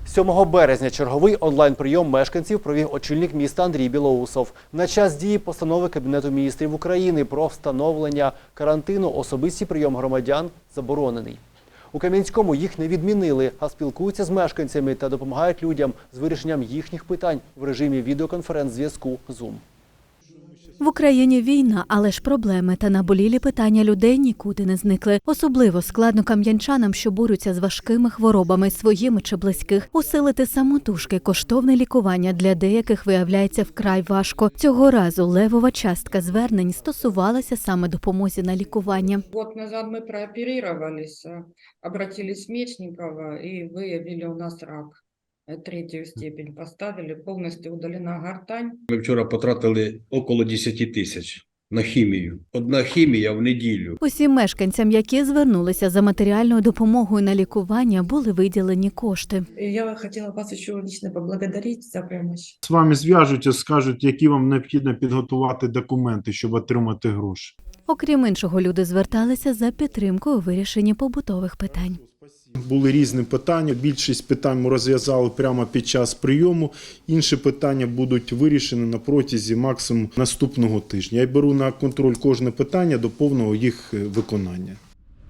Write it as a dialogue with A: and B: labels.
A: 7 березня черговий онлайн-прийом мешканців провів очільник міста Андрій Білоусов. На час дії постанови Кабінету міністрів України про встановлення карантину особистий прийом громадян заборонений. У Кам'янському їх не відмінили, а спілкуються з мешканцями та допомагають людям з вирішенням їхніх питань в режимі відеоконференц-зв'язку Zoom.
B: В Україні війна, але ж проблеми та наболілі питання людей нікуди не зникли. Особливо складно кам'янчанам, що борються з важкими хворобами своїми чи близьких. Усилити самотужки коштовне лікування для деяких виявляється вкрай важко. Цього разу левова частка звернень стосувалася саме допомозі на лікування.
C: Год назад мы прооперировались, обратились в Мечникова и выявили у нас рак. 3-ю степень поставили, повністю удалена гортань.
D: Ми вчора потратили около 10 тисяч на хімію. Одна хімія в неділю.
B: Усім мешканцям, які звернулися за матеріальною допомогою на лікування, були виділені кошти.
E: Я хотела вас еще лично поблагодарить за помощь.
F: З вами зв'яжуться, скажуть, які вам необхідно підготувати документи, щоб отримати гроші.
B: Окрім іншого, люди зверталися за підтримкою у вирішенні побутових питань.
F: Були різні питання, більшість питань ми розв'язали прямо під час прийому, інші питання будуть вирішені на протязі максимум наступного тижня. Я беру на контроль кожне питання до повного їх виконання.